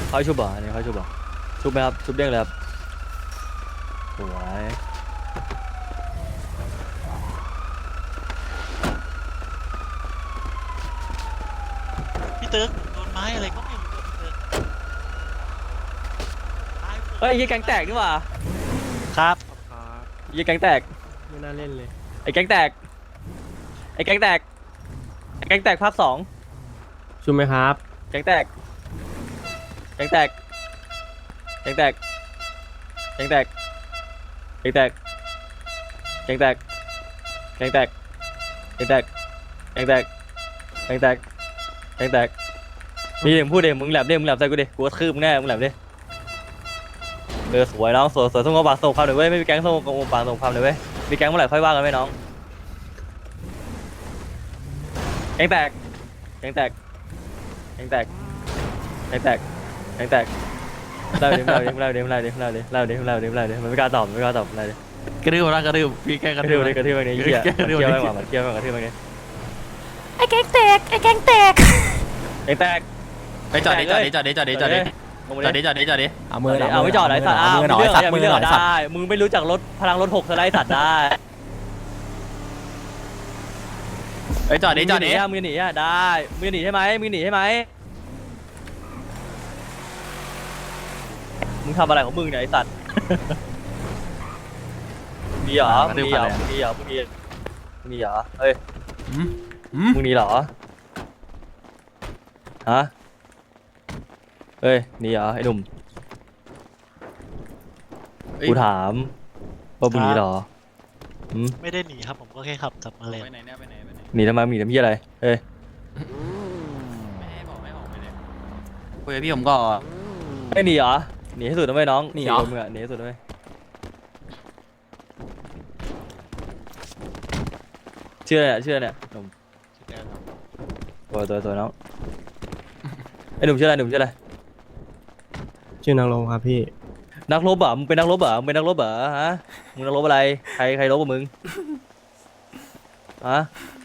เขาชุบบ่อันนี้เขาชุบบ่ชุบไหมครับชุบเด้งเลยครับสวยพี่เติร์กโดนไม้อะไรก็ไม่รู้อะพี่เติร์กเฮ้ยยี่แก๊งแตกนี่หว่าครับยี่แก๊งแตกไม่น่าเล่นเลยไอ้แก๊งแตกไอ้แก๊งแตกไอ้แก๊งแตกภาค 2 ชุบไหมครับแก๊งแตกแก๊งแตกแก๊งแตกแก๊งแตกแก๊งแตกแก๊งแตกแก๊งแตกแก๊งแตกแก๊งแตกแก๊งแตกแก๊งแตกนี่มึงพูดดิมึงแหลมดิมึงแหลมใส่กูดิกูกระทืบมึงแน่มึงแหลมดิสวยน้องสวยส่งกระบะส่งความหน่อยเว้ยไม่มีแก๊งส่งกระบะส่งความหน่อยเว้ยมีแก๊งเมื่อไหร่ค่อยว่ากันไหมน้องแก๊งแตกแก๊งแตกแก๊งแตกแก๊งแตกแก๊งแตกเล่าดิเล่าดิเล่าดิเล่าดิเล่าดิเล่าดิเล่าดิเล่าดิมันไม่กล้าตอบมันไม่กล้าตอบอะไรดิกระดืบนะกระดืบพี่แค่กกระระดืทืบบดิกระทืบไปเนี่ยเหี้ยเกี่ยวไม่หว่ามันเกี่ยวไม่หว่ากระทืบไปเนี่ยไอ้แก๊งแตกไอ้แก๊งแตกแก๊งแตกไปจอดดิจอดดิจอดดิจอดดิจอดดิลงมาจอดดิดิจอดดิจอดดิเอามือเอาไม่จอดไหนสัตว์อ้าวมีเรื่องอะไรมีเรื่องได้มึงไม่รู้จักรถพลังรถ6สไลด์สัตว์ได้ไปจอดดิจอดดิมึงจะหนีอ่ะได้มึงจะหนีใช่ไหมมึงหนีใช่ไหมมึงทำอะไรของมึงเนี่ยไอสัตว์มีเหรอมีเหรอมีเหรอมีเหรอเฮ้ยมึงหนีเหรอฮะเฮ้ยหนีเหรอไอ้หนุ่มกูถามว่ามึงหนีเหรอไม่ได้หนีครับผมก็แค่ขับกลับมาเลยไปไหนเนี่ยไปไหนไปไหนหนีทำไมหนีทำยี่อะไรเฮ้ยไม่ให้บอกไม่บอกไปเลยคุยกับพี่ผมก็ไม่หนีเหรอหนีให้สุดนะเว้ยน้องหนีเหรอ 4 คนมึงอะหนีให้สุดนะเว้ยเชื่อเนี่ยหนุ่มตัวน้องไอ้หนุ่มชื่ออะไรหนุ่มชื่ออะไรชื่อนางลงครับพี่นักรบเหรอมึงเป็นนักรบเหรอมึงเป็นนักรบเหรอฮะมึงนักรบอะไรใครรบกับมึงฮะ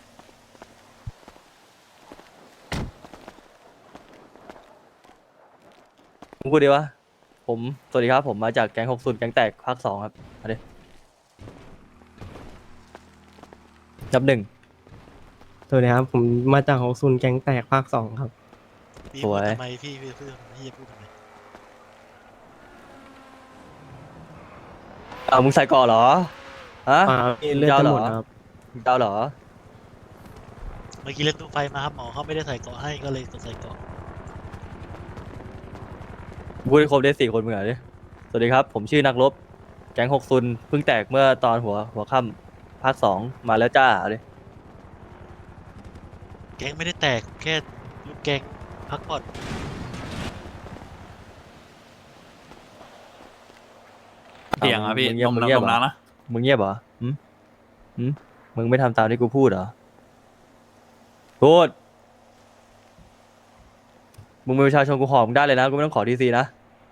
มึงพูดดีวะผมสวัสดีครับผมมาจากแก๊ง60แก๊งแตกภาค 2ครับมาดินับ 1 สวัสดีครับ ผมมาจากของซุนแก๊งแตกภาค 2ครับพี่สพูวดยทำไมพี่พูดพี่จะพูดทำไมมึงใส่ก่อเหรอฮะพี่เลือดจะหมดครับมึงเจ้าเหรอเมื่อกี้เล่นตู้ไฟมาครับหมอเขาไม่ได้ใส่เกราะให้ก็เลยต้องใส่เกราะพูดให้ครบได้4 คนมึงเหรอดิสวัสดีครับผมชื่อนักรบแก๊ง60เพิ่งแตกเมื่อตอนหัวค่ำภาค 2มาแล้วจ้าเอาดิแก๊งไม่ได้แตกแค่ลูกแก๊งพักผ่อนเสียงอ่ะพี่มึงลเงียบมเหรอนะมึงเงียบเหรอมึงไม่ทำตามที่กูพูดเหรอพูดมึงเป็นประชาชนกูขอมึงได้เลยนะกูไม่ต้องขอทีซีนะ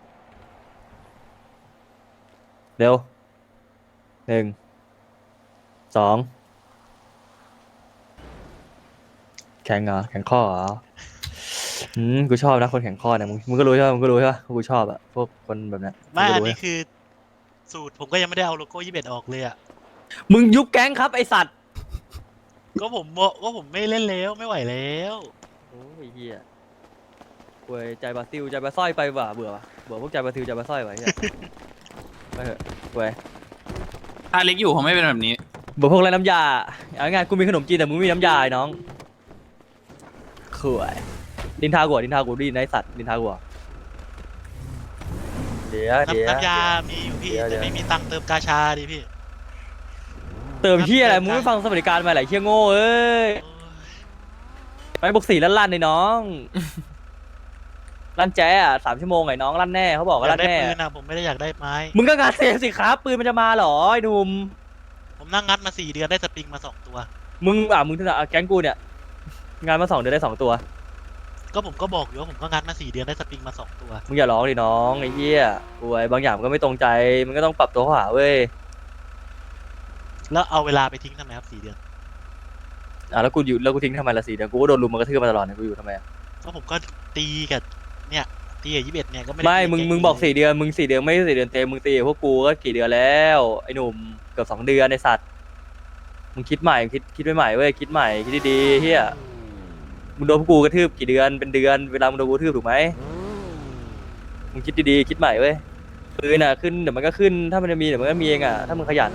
เร็ว1 2แข็งเหรอแข็งข้อเหรอกูชอบนะคนแข็งข้อเนี่ยมึงก็รู้ใช่ปะมึงก็รู้ใช่ปะว่ากูชอบอะพวกคนแบบเนี้ยไม่งก็อันรู้นี้คือสูตรผมก็ยังไม่ได้เอาโลโก้21ออกเลยอ่ะมึงยุบแก๊งครับไอสัตว์ก็ผมไม่เล่นแล้วไม่ไหวแล้วโอ้ยเฮียเว้ยใจบราซิลใจบราสร้อยไปว่ะเบื่อพวกใจบราซิลใจบราสร้อยว่ะเฮียไปเถอะเว้ยถ้าเล็กอยู่ผมไม่เป็นแบบนี้เบื่อพวกไรน้ำยาเอาง่ายๆกูมีขนมจีนแต่มึงไม่มีน้ำยาไอ้น้องข่วยดินทากูดีนไอสัตว์ดินทากูอะเดี๋ยวน้ำยามีอยู่พี่แต่ไม่มีตังค์เติมกาชาดิพี่เติมเฮียอะไรมึงไม่ฟังสวัสดิการมาไหลเฮียโง่เอ้ยไปบวก4ลั่นในน้องลั่นแจ๊ะ3 ชั่วโมงไอ้น้องลั่นแน่เขาบอกว่าอยาลั่กนได้แน่ปืนนะผมไม่ได้อยากได้ไม้มึงก็งานเซฟสิครับปืนมันจะมาเหรอไอ้หนุ่มผมนั่งงัดมา4 เดือนได้สปริงมา2 ตัวมึงแก๊งกูเนี่ยงานมา2 เดือนได้2 ตัวก็ผมก็บอกอยู่ว่าผมก็งัดมา4 เดือนได้สปริงมา2 ตัวมึงอย่าร้องดิน้องไอ้เหี้ยป่วยบางอย่างมันก็ไม่ตรงใจมันก็ต้องปรับตัวเข้าหาเว้ยแล้วเอาเวลาไปทิ้งทำไมครับ4 เดือนแล้วกูทิ้งทำไมละ4 เดือนกูก็โดนลุมมันกระทืบมาตลอดเนี่ยกูอยู่ทำไมอะก็ผมก็ตีกับเนี่ยตีกับ21เนี่ยก็ไม่ได้ไม่ตีมึงบอก4 เดือนมึง4 เดือนไม่ใช่4 เดือนเต็มมึงตีกับพวกกูก็กี่เดือนแล้วไอ้หนุ่มเกือบ2 เดือนไอ้สัตว์มึงคิดใหม่คิดใหม่เว้ยคิดใหม่คิดดีๆเฮียมึงโดนพวกกูกระทืบกี่เดือนเป็นเดือนเวลามึงโดนกูกระทืบถูกไหมมึงคิดดีๆคิดใหม่เว้ยปืนขึ้นเดี๋ยวมันก็ขึ้นถ้ามันจะมีเดี๋ยวมันก็มีเองถ้ามึงขยัน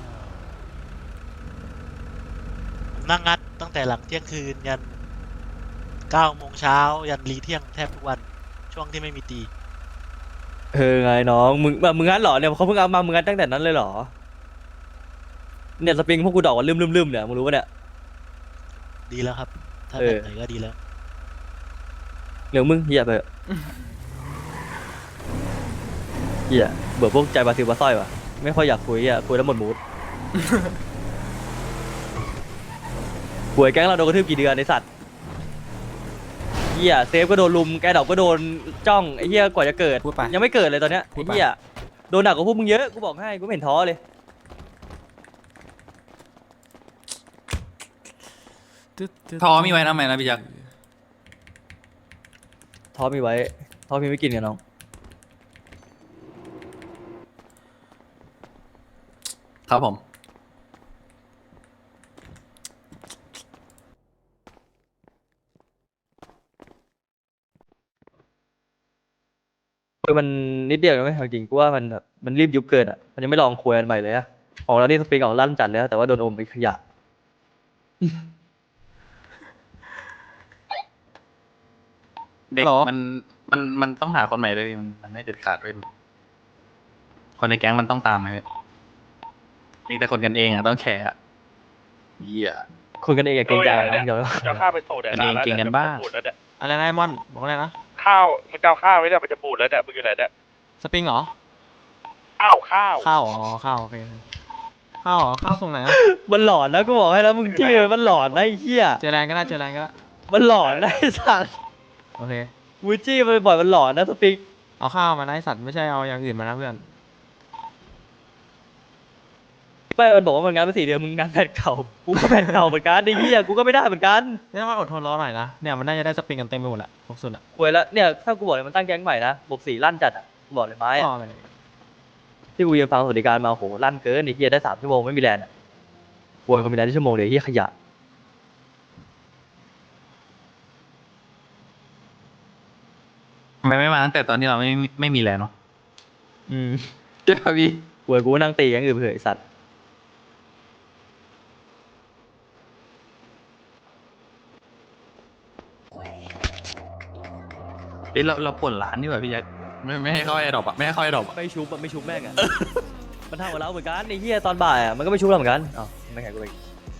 ผมนั่งงัดตั้งแต่หลังเที่ยงคืนยัน9 โมงเช้ายันรีเที่ยงแทบทุกวันช่วงที่ไม่มีตีไงน้องมึงงั้นเหรอเนี่ยเขาเพิ่งเอามามึงงั้นตั้งแต่นั้นเลยเหรอเนี่ยสปริงพวกกูดอกว่าลืมเนี่ยมึงรู้ปะเนี่ยดีแล้วครับ ถ้าเอแบอบไหนก็ดีแล้วเหลืองมึงเฮียไปเถอะเฮียเบื่อพวกใจบาซิลบาสร้อยว่ะไม่ค่อยอยากคุยคุยแล้วหมดมูด ป่วยแก๊งเราโดนกระทืบกี่เดือนไอสัตว์เฮียเซฟก็โดนลุมแกดอกก็โดนจ้องไอเฮียกว่าจะเกิดพูดไปยังไม่เกิดเลยตอนเนี้ยพูไอดไปเฮียโดนหนักกว่าพวกมึงเยอะกูบอกให้กูไม่เห็นท้อเลยทอมีไว้ทำไมนะพี่ยักษ์ท้อมีไว้ท้อมีไม่กินกันน้องครับผมคือมันนิดเดียวนะไม่จริงกูว่ามันแบบมันรีบยุบเกินมันยังไม่ลองคุยกันใหม่เลยของเรานี่สปริงออกลั่นจัดแล้วแต่ว่าโดนอมไปขยะเด็กหรอมันต้องหาคนใหม่ด้วยพี่มันไม่เด็ดขาดด้วยคนในแก๊งมันต้องตามไหมพี่มีแต่คนกันเองต้องแคร์เหี้ยคนกันเองอย่าเกรงใจนะเดี๋ยวจะเอาข้าวไปส่งเดี๋ยวกันเองเก่งกันบ้างบูดแล้วเนี่ยอะไรนะไอ้มอนบอกอะไรนะข้าวมึงจะเอาข้าวไว้เนี่ยมันจะบูดแล้วเนี่ยมึงอยู่ไหนเนี่ยสปริงเหรอข้าวข้าวข้าวอ๋อข้าวโอเคข้าวเหรอข้าวส่งไหนอะมันหลอนนะกูบอกให้แล้วมึงจี้มันหลอนนะไอ้เหี้ยเจอแรงก็ได้เจอแรงก็ได้มันหลอนนะไอ้สัตว์โอเคมึงจี้มันบ่อยมันหลอนนะสปริงเอาข้าวมานะไอ้สัตว์ไม่ใช่เอาอย่างอื่นมานะเพื่อนไม่มันบอกว่ามันงานมา4 เดือนมึงงานแผ่นเก่ากูก็แผ่นเก่าเหมือนกันไอ้เหี้ยกูก็ไม่ได้เหมือนกันนี่ต้องอดทนรอหน่อยนะเนี่ยมันน่าจะได้สปริงกันเต็มไปหมดแหละพวกสุดอะควยแล้วเนี่ยถ้ากูบอกเลยมันตั้งแก๊งใหม่นะบวก4ลั่นจัดกูบอกเลยไม้อ๋อเลยที่กูยืนฟังสวัสดิการมาโหลั่นเกินไอ้เหี้ยได้3 ชั่วโมงไม่มีแรงควยคนมีแรงได้ชั่วโมงเดียวไอ้เหี้ยขยะทำไมไม่มาตั้งแต่ตอนที่เราไม่มีแรงเนาะอืมเจ้าพี่ควยกูนั่งตีกันอื่นเผื่อไอ้สัตว์เฮ้ยเราป่วนร้านดีกว่าพี่ยักษ์ไม่ให้เข้าไอ้ดอกอะไม่ให้เข้าไอ้ดอกอะไม่ชุบแม่งมันทำกับเราเหมือนกันไอ้เหี้ยตอนบ่ายมันก็ไม่ชุบเราเหมือนกันอ้าวไม่แข่งกูไป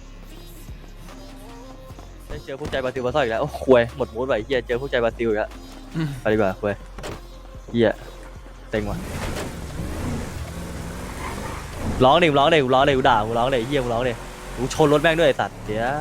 ได้เจอพวกใจบราซิลบาซ่าอีกแล้วโอ้ควยหมดมูดไปเหี้ยเจอพวกใจบราซิลอีกแล้วไปดีกว่าควยเหี้ยเต็งว่ะร้องดิกูด่ากูร้องดิเหี้ยกูร้องดิกูชนรถแม่งด้วยไอ้สัตว์เดี๋ยว